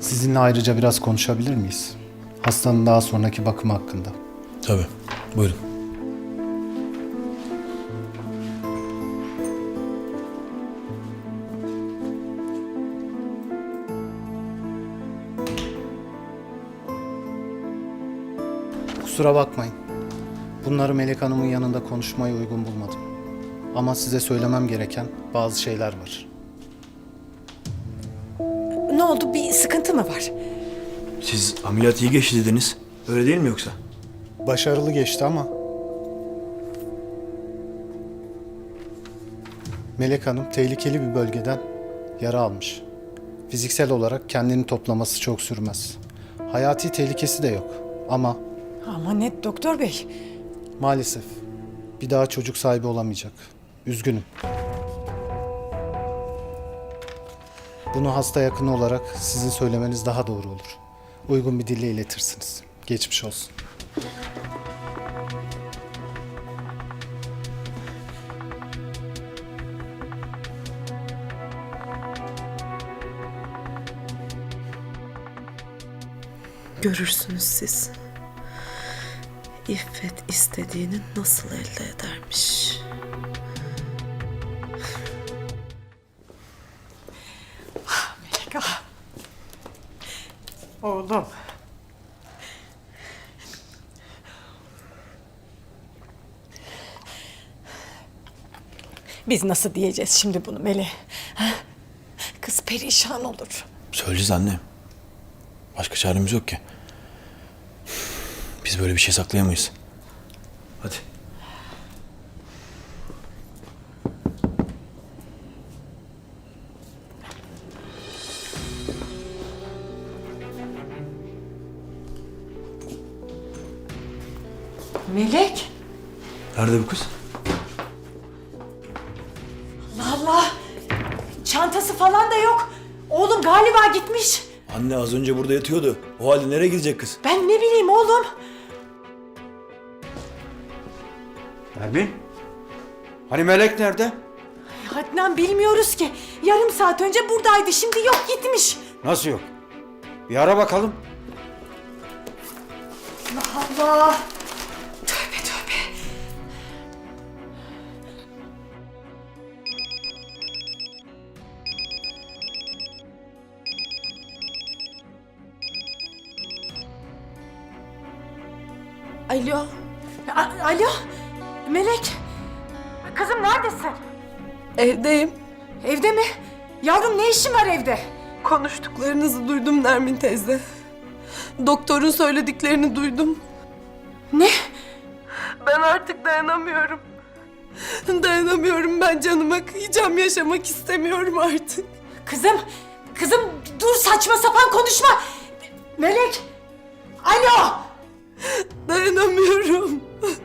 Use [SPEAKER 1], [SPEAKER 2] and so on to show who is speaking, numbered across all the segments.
[SPEAKER 1] Sizinle ayrıca biraz konuşabilir miyiz? Hastanın daha sonraki bakımı hakkında.
[SPEAKER 2] Tabii. Buyurun.
[SPEAKER 1] Kusura bakmayın. Bunları Melek Hanım'ın yanında konuşmayı uygun bulmadım. Ama size söylemem gereken bazı şeyler var.
[SPEAKER 3] Ne oldu? Bir sıkıntı mı var?
[SPEAKER 2] Siz ameliyat iyi geçti dediniz. Öyle değil mi yoksa?
[SPEAKER 1] Başarılı geçti ama... Melek Hanım tehlikeli bir bölgeden yara almış. Fiziksel olarak kendini toplaması çok sürmez. Hayati tehlikesi de yok ama
[SPEAKER 3] Ama net doktor bey.
[SPEAKER 1] maalesef bir daha çocuk sahibi olamayacak. Üzgünüm. Bunu hasta yakını olarak sizin söylemeniz daha doğru olur. Uygun bir dille iletirsiniz. Geçmiş olsun.
[SPEAKER 4] Görürsünüz siz. İffet istediğini nasıl elde edermiş.
[SPEAKER 3] Melek ah. Oğlum. Biz nasıl diyeceğiz şimdi bunu Melek? Ha? Kız perişan olur.
[SPEAKER 2] Söyleyeceğiz anne. Başka çaremiz yok ki. Biz böyle bir şey saklayamayız. Hadi.
[SPEAKER 3] Melek.
[SPEAKER 2] Nerede bu kız?
[SPEAKER 3] Allah. Çantası falan da yok. Oğlum galiba gitmiş.
[SPEAKER 2] Anne az önce burada yatıyordu. O halde nereye gidecek kız?
[SPEAKER 3] Ben ne bileyim oğlum.
[SPEAKER 5] Nermin? Hani Melek nerede?
[SPEAKER 3] Adnan bilmiyoruz ki. Yarım saat önce buradaydı. Şimdi yok gitmiş.
[SPEAKER 5] Nasıl yok? Bir ara bakalım.
[SPEAKER 3] Allah Allah. Tövbe tövbe.
[SPEAKER 4] Alo.
[SPEAKER 3] Alo. Melek. Kızım neredesin?
[SPEAKER 4] Evdeyim.
[SPEAKER 3] Evde mi? Yavrum ne işin var evde?
[SPEAKER 4] Konuştuklarınızı duydum Nermin teyze. Doktorun söylediklerini duydum.
[SPEAKER 3] Ne?
[SPEAKER 4] Ben artık dayanamıyorum. Dayanamıyorum, ben canıma kıyacağım, yaşamak istemiyorum artık.
[SPEAKER 3] Kızım dur saçma sapan konuşma. Melek. Alo.
[SPEAKER 4] Dayanamıyorum.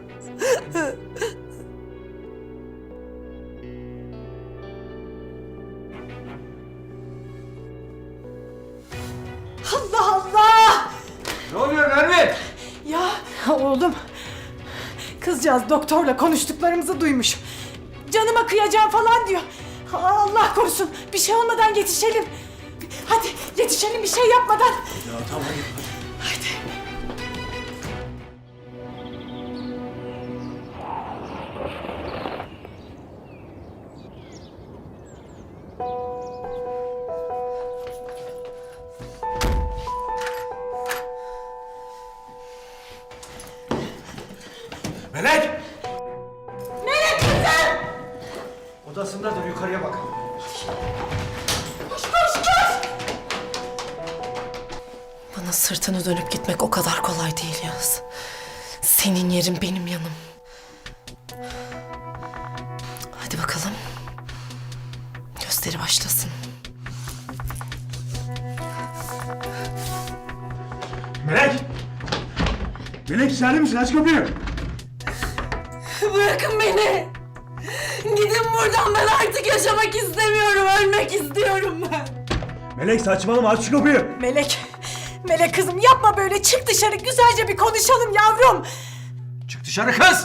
[SPEAKER 3] Allah Allah.
[SPEAKER 5] Ne oluyor Nermin?
[SPEAKER 3] Ya oğlum. Kızcağız doktorla konuştuklarımızı duymuş. Canıma kıyacağım falan diyor. Allah korusun. Bir şey olmadan yetişelim. Hadi yetişelim bir şey yapmadan.
[SPEAKER 2] Ya tamam hadi.
[SPEAKER 5] Melek!
[SPEAKER 3] Melek kızım.
[SPEAKER 5] Odasındadır, yukarıya bak.
[SPEAKER 3] Koş koş koş.
[SPEAKER 4] Bana sırtını dönüp gitmek o kadar kolay değil Yağız. Senin yerin benim yanım. Hadi bakalım. Gösteri başlasın.
[SPEAKER 5] Melek! Melek içeride misin? Aç kapıyı.
[SPEAKER 4] Bırakın beni. Gidin buradan, ben artık yaşamak istemiyorum. Ölmek istiyorum ben.
[SPEAKER 5] Melek saçmalama, aç şu kapıyı.
[SPEAKER 3] Melek kızım yapma böyle. Çık dışarı güzelce bir konuşalım yavrum.
[SPEAKER 5] Çık dışarı kız!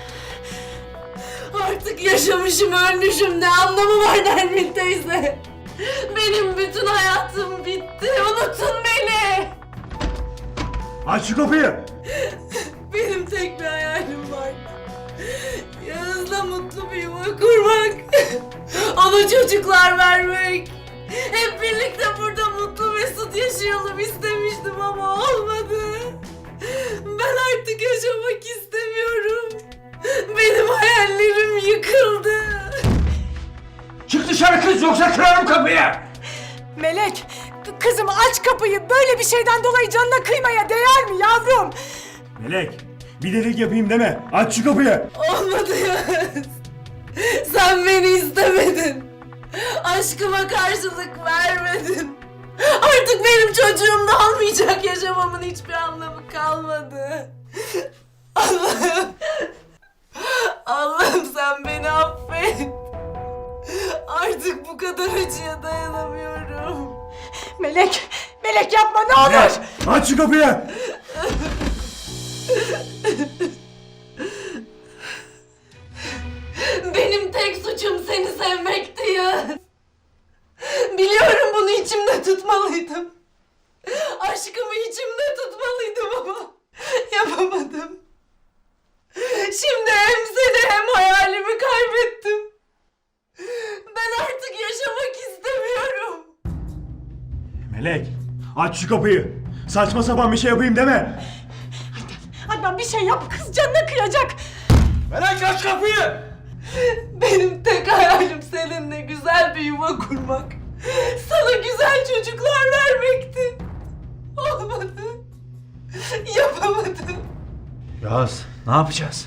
[SPEAKER 4] Artık yaşamışım, ölmüşüm. Ne anlamı var Nermin teyze? Benim bütün hayatım bitti. Unutun beni.
[SPEAKER 5] Aç şu kapıyı.
[SPEAKER 4] Benim tek bir hayalim var. Yağız'la mutlu bir yuva kurmak. Ona çocuklar vermek. Hep birlikte burada mutlu mesut yaşayalım istemiştim ama olmadı. Ben artık yaşamak istemiyorum. Benim hayallerim yıkıldı.
[SPEAKER 5] Çık dışarı kız yoksa kırarım kapıyı.
[SPEAKER 3] Melek, kızım aç kapıyı. Böyle bir şeyden dolayı canına kıymaya değer mi yavrum?
[SPEAKER 5] Melek bir delik yapayım deme. Aç şu kapıyı.
[SPEAKER 4] Olmadı Yağız. Sen beni istemedin. Aşkıma karşılık vermedin. Artık benim çocuğum da olmayacak. Yaşamamın hiçbir anlamı kalmadı. Allah'ım. Allah'ım sen beni affet. Artık bu kadar acıya dayanamıyorum.
[SPEAKER 3] Melek, Melek yapma ne olur.
[SPEAKER 5] Melek aç şu kapıyı.
[SPEAKER 4] Benim tek suçum seni sevmekti ya. Biliyorum bunu içimde tutmalıydım. Aşkımı içimde tutmalıydım ama yapamadım. Şimdi hem seni hem hayalimi kaybettim. Ben artık yaşamak istemiyorum.
[SPEAKER 5] Melek aç şu kapıyı. Saçma sapan bir şey yapayım deme.
[SPEAKER 3] Adnan bir şey yap, kız canına kıyacak.
[SPEAKER 5] Melek aç kapıyı.
[SPEAKER 4] Benim tek hayalim seninle güzel bir yuva kurmak. Sana güzel çocuklar vermekti. Olmadı. Yapamadım.
[SPEAKER 2] Yağız ne yapacağız?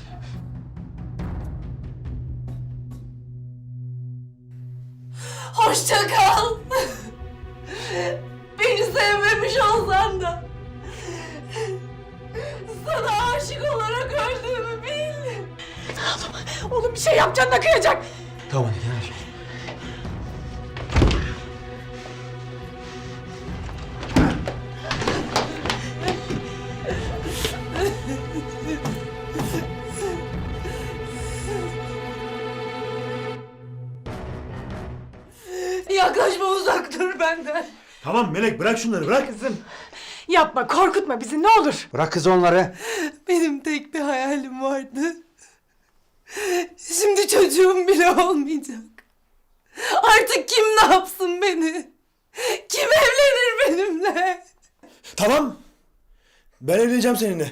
[SPEAKER 4] Hoşça kal. Beni sevmemiş olsan da sana aşık olarak öldüğümü bil.
[SPEAKER 3] Oğlum bir şey yap, canına kıyacak.
[SPEAKER 2] Tamam gel.
[SPEAKER 4] Yaklaşma, uzak dur benden.
[SPEAKER 5] Tamam Melek bırak şunları bırak. Kızım.
[SPEAKER 3] Yapma, korkutma bizi ne olur.
[SPEAKER 1] Bırak kız onları.
[SPEAKER 4] Benim tek bir hayalim vardı. Şimdi çocuğum bile olmayacak. Artık kim ne yapsın beni? Kim evlenir benimle?
[SPEAKER 2] Tamam. Ben evleneceğim seninle.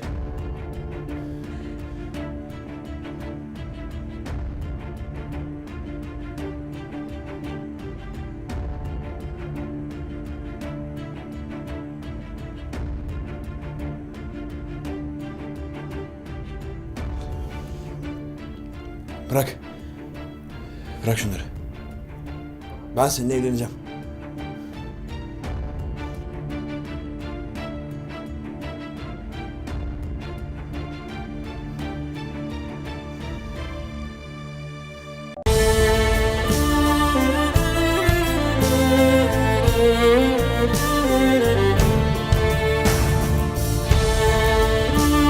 [SPEAKER 2] Bırak. Bırak şunları. Ben seninle evleneceğim.